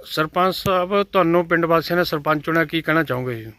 ਸਰਪੰਚ ਸਾਹਿਬ, ਤੁਹਾਨੂੰ ਪਿੰਡ ਵਾਸੀਆਂ ਨੇ ਸਰਪੰਚ ਚੁਣਿਆ, ਕੀ ਕਹਿਣਾ ਚਾਹੋਗੇ ਜੀ?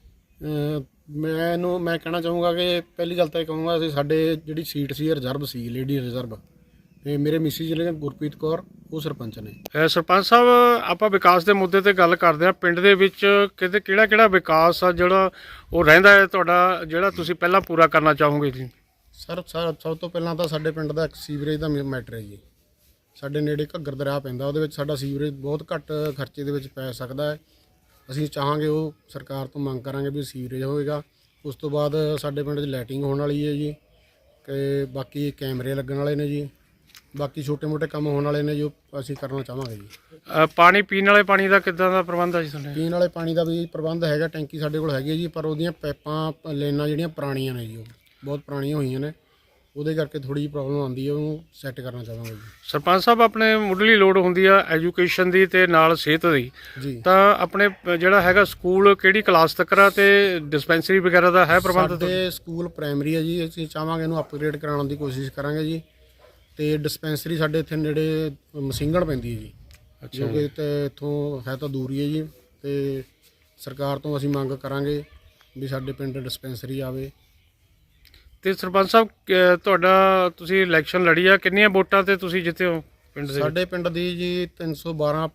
ਮੈਂ ਕਹਿਣਾ ਚਾਹੂੰਗਾ ਕਿ ਪਹਿਲੀ ਗੱਲ ਤਾਂ ਇਹ ਕਹੂੰਗਾ ਅਸੀਂ ਸਾਡੇ ਜਿਹੜੀ ਸੀਟ ਸੀ ਰਿਜ਼ਰਵ ਸੀ, ਲੇਡੀ ਰਿਜ਼ਰਵ, ਤੇ ਮੇਰੇ ਮਿਸਿਸ ਜਿਹੜੇ ਗੁਰਪ੍ਰੀਤ ਕੌਰ ਉਹ ਸਰਪੰਚ ਨੇ। ਸਰਪੰਚ ਸਾਹਿਬ, ਆਪਾਂ ਵਿਕਾਸ ਦੇ ਮੁੱਦੇ ਤੇ ਗੱਲ ਕਰਦੇ ਹਾਂ। ਪਿੰਡ ਦੇ ਵਿੱਚ ਕਿਤੇ ਕਿਹੜਾ ਵਿਕਾਸ ਆ ਜਿਹੜਾ ਉਹ ਰਹਿੰਦਾ ਹੈ ਤੁਹਾਡਾ, ਜਿਹੜਾ ਤੁਸੀਂ ਪਹਿਲਾਂ ਪੂਰਾ ਕਰਨਾ ਚਾਹੋਗੇ ਜੀ? ਸਰ ਸਭ ਤੋਂ ਪਹਿਲਾਂ ਤਾਂ ਸਾਡੇ ਪਿੰਡ ਦਾ ਇੱਕ ਸੀਵਰੇਜ ਦਾ ਮੈਟਰ ਹੈ ਜੀ। ਸਾਡੇ ਨੇੜੇ ਘੱਗਰ ਦਰਿਆ ਪੈਂਦਾ, ਉਹਦੇ ਵਿੱਚ ਸਾਡਾ ਸੀਵਰੇਜ ਬਹੁਤ ਘੱਟ ਖਰਚੇ ਦੇ ਵਿੱਚ ਪੈ ਸਕਦਾ ਹੈ। ਅਸੀਂ ਚਾਹਾਂਗੇ, ਉਹ ਸਰਕਾਰ ਤੋਂ ਮੰਗ ਕਰਾਂਗੇ ਵੀ ਸੀਵਰੇਜ ਹੋਵੇਗਾ। ਉਸ ਤੋਂ ਬਾਅਦ ਸਾਡੇ ਪਿੰਡ 'ਚ ਲਾਈਟਿੰਗ ਹੋਣ ਵਾਲੀ ਹੈ ਜੀ, ਤੇ ਬਾਕੀ ਕੈਮਰੇ ਲੱਗਣ ਵਾਲੇ ਨੇ ਜੀ, ਬਾਕੀ ਛੋਟੇ ਮੋਟੇ ਕੰਮ ਹੋਣ ਵਾਲੇ ਨੇ ਜੋ ਅਸੀਂ ਕਰਨਾ ਚਾਹਾਂਗੇ ਜੀ। ਪਾਣੀ ਪੀਣ ਵਾਲੇ ਪਾਣੀ ਦਾ ਕਿੱਦਾਂ ਦਾ ਪ੍ਰਬੰਧ ਹੈ ਜੀ ਤੁਹਾਡੇ? ਪੀਣ ਵਾਲੇ ਪਾਣੀ ਦਾ ਵੀ ਪ੍ਰਬੰਧ ਹੈਗਾ, ਟੈਂਕੀ ਸਾਡੇ ਕੋਲ ਹੈਗੀ ਹੈ ਜੀ, ਪਰ ਉਹਦੀਆਂ ਪਾਈਪਾਂ ਲਾਈਨਾਂ ਜਿਹੜੀਆਂ ਪੁਰਾਣੀਆਂ ਨੇ ਜੀ, ਉਹ ਬਹੁਤ ਪੁਰਾਣੀਆਂ ਹੋਈਆਂ ਨੇ, ਉਹਦੇ ਕਰਕੇ ਥੋੜ੍ਹੀ ਜਿਹੀ ਪ੍ਰੋਬਲਮ ਆਉਂਦੀ ਹੈ, ਉਹਨੂੰ ਸੈੱਟ ਕਰਨਾ ਚਾਹਾਂਗੇ ਜੀ। ਸਰਪੰਚ ਸਾਹਿਬ, ਆਪਣੇ ਮੁੱਢਲੀ ਲੋੜ ਹੁੰਦੀ ਆ ਐਜੂਕੇਸ਼ਨ ਦੀ ਤੇ ਨਾਲ ਸਿਹਤ ਦੀ ਜੀ। ਤਾਂ ਆਪਣੇ ਜਿਹੜਾ ਹੈਗਾ ਸਕੂਲ ਕਿਹੜੀ ਕਲਾਸ ਤੱਕ ਆ ਤੇ ਡਿਸਪੈਂਸਰੀ ਵਗੈਰਾ ਦਾ ਹੈ ਪ੍ਰਬੰਧ? ਸਾਡੇ ਸਕੂਲ ਪ੍ਰਾਇਮਰੀ ਹੈ ਜੀ, ਅਸੀਂ ਚਾਹਾਂਗੇ ਇਹਨੂੰ ਅਪਗ੍ਰੇਡ ਕਰਾਉਣ ਦੀ ਕੋਸ਼ਿਸ਼ ਕਰਾਂਗੇ ਜੀ। ਤੇ ਡਿਸਪੈਂਸਰੀ ਸਾਡੇ ਇੱਥੇ ਨੇੜੇ ਮਸਿੰਘਣ ਪੈਂਦੀ ਹੈ ਜੀ, ਜੋ ਕਿ ਇੱਥੋਂ ਹੈ ਤਾਂ ਦੂਰ ਹੀ ਹੈ ਜੀ, ਤੇ ਸਰਕਾਰ ਤੋਂ ਅਸੀਂ ਮੰਗ ਕਰਾਂਗੇ ਵੀ ਸਾਡੇ ਪਿੰਡ ਡਿਸਪੈਂਸਰੀ ਆਵੇ। ਤੇ ਸਰਪੰਚ ਸਾਹਿਬ, ਤੁਹਾਡਾ ਤੁਸੀਂ ਇਲੈਕਸ਼ਨ ਲੜੀ ਆ, ਕਿੰਨੀਆਂ ਵੋਟਾਂ ਤੇ ਤੁਸੀਂ ਜਿੱਤੇ ਹੋ ਪਿੰਡ ਦੇ? ਸਾਡੇ ਪਿੰਡ ਦੀ ਜੀ 312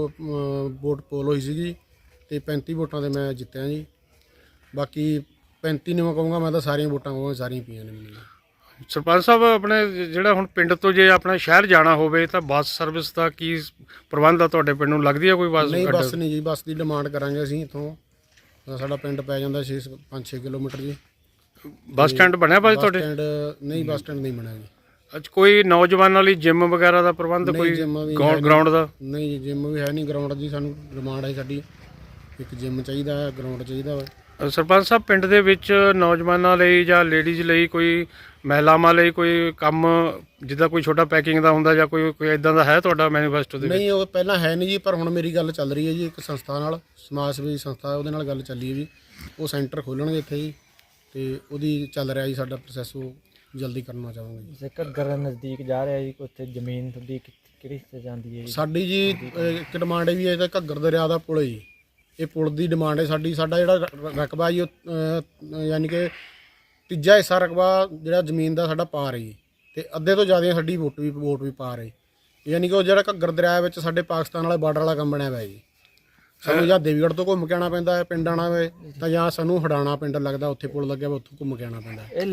ਵੋਟ ਪੋਲ ਹੋਈ ਸੀਗੀ, ਤੇ 35 ਵੋਟਾਂ ਤੇ ਮੈਂ ਜਿੱਤਿਆ ਜੀ। ਬਾਕੀ 35 ਨਹੀਂ ਮੈਂ ਕਹੂੰਗਾ, ਮੈਂ ਤਾਂ ਸਾਰੀਆਂ ਵੋਟਾਂ ਕਹੂੰਗਾ, ਸਾਰੀਆਂ ਪਈਆਂ ਨੇ ਮੈਨੂੰ। ਸਰਪੰਚ ਸਾਹਿਬ, ਆਪਣੇ ਜਿਹੜਾ ਹੁਣ ਪਿੰਡ ਤੋਂ ਜੇ ਆਪਣਾ ਸ਼ਹਿਰ ਜਾਣਾ ਹੋਵੇ ਤਾਂ ਬੱਸ ਸਰਵਿਸ ਦਾ ਕੀ ਪ੍ਰਬੰਧ ਆ ਤੁਹਾਡੇ ਪਿੰਡ ਨੂੰ? ਲੱਗਦੀ ਆ ਕੋਈ ਬੱਸ? ਨਹੀਂ, ਬੱਸ ਨਹੀਂ ਜੀ, ਬੱਸ ਦੀ ਡਿਮਾਂਡ ਕਰਾਂਗੇ ਅਸੀਂ ਇੱਥੋਂ। ਸਾਡਾ ਪਿੰਡ ਪੈ ਜਾਂਦਾ 5-6 ਕਿਲੋਮੀਟਰ ਜੀ। ਬੱਸ ਸਟੈਂਡ ਬਣਿਆ ਭਾਜੀ ਤੁਹਾਡੇ? ਨਹੀਂ, ਬੱਸ ਸਟੈਂਡ ਨਹੀਂ ਬਣਿਆ ਜੀ। ਅੱਜ ਕੋਈ ਨੌਜਵਾਨਾਂ ਲਈ ਜਿਮ ਵਗੈਰਾ ਦਾ ਪ੍ਰਬੰਧ, ਕੋਈ ਗਰਾਊਂਡ ਦਾ? ਨਹੀਂ ਜੀ, ਜਿਮ ਵੀ ਹੈ ਨਹੀਂ, ਗਰਾਊਂਡ ਦੀ ਸਾਨੂੰ ਡਿਮਾਂਡ ਹੈ ਸਾਡੀ, ਇੱਕ ਜਿਮ ਚਾਹੀਦਾ ਹੈ, ਗਰਾਊਂਡ ਚਾਹੀਦਾ ਵਾ। ਸਰਪੰਚ ਸਾਹਿਬ, ਪਿੰਡ ਦੇ ਵਿੱਚ ਨੌਜਵਾਨਾਂ ਲਈ ਜਾਂ ਲੇਡੀਜ਼ ਲਈ, ਕੋਈ ਮਹਿਲਾਵਾਂ ਲਈ ਕੋਈ ਕੰਮ ਜਿੱਦਾਂ ਕੋਈ ਛੋਟਾ ਪੈਕਿੰਗ ਦਾ ਹੁੰਦਾ ਜਾਂ ਕੋਈ ਇਦਾਂ ਦਾ ਹੈ ਤੁਹਾਡਾ ਮੈਨੀਫੈਸਟੋ ਦੇ ਵਿੱਚ? ਨਹੀਂ, ਉਹ ਪਹਿਲਾਂ ਹੈ ਨਹੀਂ ਜੀ, ਪਰ ਹੁਣ ਮੇਰੀ ਗੱਲ ਚੱਲ ਰਹੀ ਹੈ ਜੀ ਇੱਕ ਸੰਸਥਾ ਨਾਲ, ਸਮਾਜ ਸੇਵੀ ਸੰਸਥਾ, ਉਹਦੇ ਨਾਲ ਗੱਲ ਚੱਲੀ ਹੈ ਜੀ। ਉਹ ਸੈਂਟਰ ਖੋਲ੍ਹਣਗੇ ਇੱਥੇ ਜੀ, ਤੇ ਉਹਦੀ ਚੱਲ ਰਿਹਾ ਜੀ ਸਾਡਾ ਪ੍ਰੋਸੈਸ, ਉਹ ਜਲਦੀ ਕਰਨਾ ਚਾਹਾਂਗੇ ਜੀ। ਘੱਗਰ ਨਜ਼ਦੀਕ ਜਾ ਰਿਹਾ ਜੀ, ਉੱਥੇ ਜ਼ਮੀਨ ਤੁਹਾਡੀ ਕਿਹੜੀ ਹਿੱਸੇ ਜਾਂਦੀ ਹੈ ਜੀ? ਸਾਡੀ ਜੀ ਇੱਕ ਡਿਮਾਂਡ ਵੀ ਹੈ, ਤਾਂ ਘੱਗਰ ਦਰਿਆ ਦਾ ਪੁਲ ਹੈ ਜੀ, ਇਹ ਪੁਲ ਦੀ ਡਿਮਾਂਡ ਹੈ ਸਾਡੀ। ਸਾਡਾ ਜਿਹੜਾ ਰਕਬਾ ਜੀ, ਯਾਨੀ ਕਿ ਤੀਜਾ ਹਿੱਸਾ ਰਕਬਾ ਜਿਹੜਾ ਜ਼ਮੀਨ ਦਾ ਸਾਡਾ ਪਾ ਰਹੀ, ਤੇ ਅੱਧੇ ਤੋਂ ਜ਼ਿਆਦਾ ਸਾਡੀ ਵੋਟ ਵੀ ਪਾ ਰਹੀ, ਯਾਨੀ ਕਿ ਉਹ ਜਿਹੜਾ ਘੱਗਰ ਦਰਿਆ ਵਿੱਚ ਸਾਡੇ ਪਾਕਿਸਤਾਨ ਵਾਲੇ ਬਾਰਡਰ ਵਾਲਾ ਕੰਮ ਬਣਿਆ ਹੋਇਆ ਜੀ। ਸਾਨੂੰ ਜਾਂ ਦੇਵੀਗੜ੍ਹ ਤੋਂ ਘੁੰਮ ਕੇ ਆਉਣਾ ਪੈਂਦਾ ਹੈ ਪਿੰਡ ਆਉਣਾ ਹੋਵੇ, ਤਾਂ ਜਾਂ ਸਾਨੂੰ ਹੜਾਣਾ ਪਿੰਡ ਲੱਗਦਾ, ਉੱਥੇ ਪੁਲ ਲੱਗਿਆ ਵਾ, ਉੱਥੋਂ ਘੁੰਮ ਕੇ ਆਉਣਾ ਪੈਂਦਾ। ਇਹ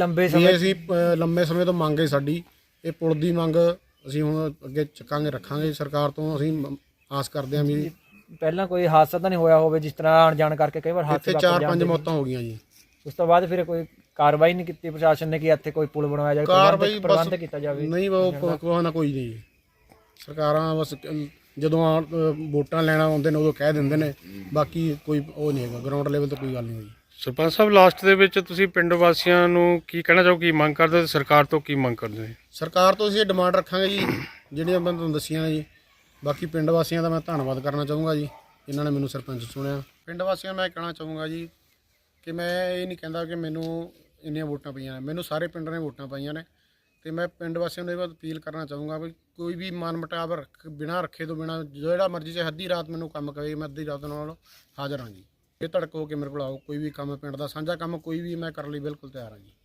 ਲੰਬੇ ਸਮੇਂ ਤੋਂ ਮੰਗ ਹੈ ਸਾਡੀ, ਇਹ ਪੁਲ ਦੀ ਮੰਗ ਅਸੀਂ ਹੁਣ ਅੱਗੇ ਚੱਕਾਂਗੇ, ਰੱਖਾਂਗੇ। ਸਰਕਾਰ ਤੋਂ ਅਸੀਂ ਆਸ ਕਰਦੇ ਹਾਂ ਵੀ ਪਹਿਲਾਂ ਕੋਈ ਹਾਦਸਾ ਤਾਂ ਨਹੀਂ ਹੋਇਆ ਹੋਵੇ, ਜਿਸ ਤਰ੍ਹਾਂ ਆਣ ਜਾਣ ਕਰਕੇ ਕਈ ਵਾਰ ਹਾਦਸੇ ਇੱਥੇ 4-5 ਮੌਤਾਂ ਹੋ ਗਈਆਂ ਜੀ। ਉਸ ਤੋਂ ਬਾਅਦ ਫਿਰ ਕੋਈ ਕਾਰਵਾਈ ਨਹੀਂ ਕੀਤੀ ਪ੍ਰਸ਼ਾਸਨ ਨੇ ਕਿ ਇੱਥੇ ਕੋਈ ਪੁਲ ਬਣਵਾਇਆ ਜਾਵੇ, ਪ੍ਰਬੰਧ ਕੀਤਾ ਜਾਵੇ? ਨਹੀਂ, ਉਹ ਕੋਈ ਨਾ ਕੋਈ ਨਹੀਂ। ਸਰਕਾਰਾਂ ਬਸ ਜਦੋਂ ਵੋਟਾਂ ਲੈਣਾ ਆਉਂਦੇ ਨੇ ਉਦੋਂ ਕਹਿ ਦਿੰਦੇ ਨੇ, ਬਾਕੀ ਕੋਈ ਉਹ ਨਹੀਂ ਹੈਗਾ, ਗਰਾਊਂਡ ਲੈਵਲ ਤੇ ਕੋਈ ਗੱਲ ਨਹੀਂ ਹੋਈ। ਸਰਪੰਚ ਸਾਹਿਬ, ਲਾਸਟ ਦੇ ਵਿੱਚ ਤੁਸੀਂ ਪਿੰਡ ਵਾਸੀਆਂ ਨੂੰ ਕੀ ਕਹਿਣਾ ਚਾਹੋ, ਕੀ ਮੰਗ ਕਰਦੇ ਤੇ ਸਰਕਾਰ ਤੋਂ ਕੀ ਮੰਗ ਕਰਦੇ? ਸਰਕਾਰ ਤੋਂ ਅਸੀਂ ਇਹ ਡਿਮਾਂਡ ਰੱਖਾਂਗੇ ਜੀ ਜਿਹੜੀਆਂ ਮੈਂ ਤੁਹਾਨੂੰ ਦੱਸੀਆਂ ਨੇ ਜੀ। ਬਾਕੀ ਪਿੰਡ ਵਾਸੀਆਂ ਦਾ ਮੈਂ ਧੰਨਵਾਦ ਕਰਨਾ ਚਾਹੂੰਗਾ ਜੀ, ਇਹਨਾਂ ਨੇ ਮੈਨੂੰ ਸਰਪੰਚ ਚੁਣਿਆ। ਪਿੰਡ ਵਾਸੀਆਂ ਨੂੰ ਮੈਂ ਕਹਿਣਾ ਚਾਹੂੰਗਾ ਜੀ ਕਿ ਮੈਂ ਇਹ ਨਹੀਂ ਕਹਿੰਦਾ ਕਿ ਮੈਨੂੰ ਇੰਨੀਆਂ ਵੋਟਾਂ ਪਈਆਂ ਨੇ, ਮੈਨੂੰ ਸਾਰੇ ਪਿੰਡ ਨੇ ਵੋਟਾਂ ਪਾਈਆਂ ਨੇ, ਤੇ ਮੈਂ ਪਿੰਡ ਵਾਸੀਆਂ ਨੂੰ ਇਹ ਬਾਤ ਅਪੀਲ ਕਰਨਾ ਚਾਹੂੰਗਾ ਵੀ ਕੋਈ ਵੀ ਮਨ ਮੁਟਾਵ ਬਿਨਾਂ ਰੱਖੇ ਤੋਂ ਬਿਨਾਂ ਜਿਹੜਾ ਮਰਜ਼ੀ ਚਾਹੇ ਅੱਧੀ ਰਾਤ ਮੈਨੂੰ ਕੰਮ ਕਰੇ, ਮੈਂ ਅੱਧੀ ਰਾਤ ਨਾਲ ਹਾਜ਼ਰ ਹਾਂ ਜੀ। ਇਹ ਧੜਕ ਹੋ ਕੇ ਮੇਰੇ ਕੋਲ ਆਓ, ਕੋਈ ਵੀ ਕੰਮ ਪਿੰਡ ਦਾ ਸਾਂਝਾ ਕੰਮ ਕੋਈ ਵੀ ਮੈਂ ਕਰਨ ਲਈ ਬਿਲਕੁਲ ਤਿਆਰ ਹਾਂ ਜੀ।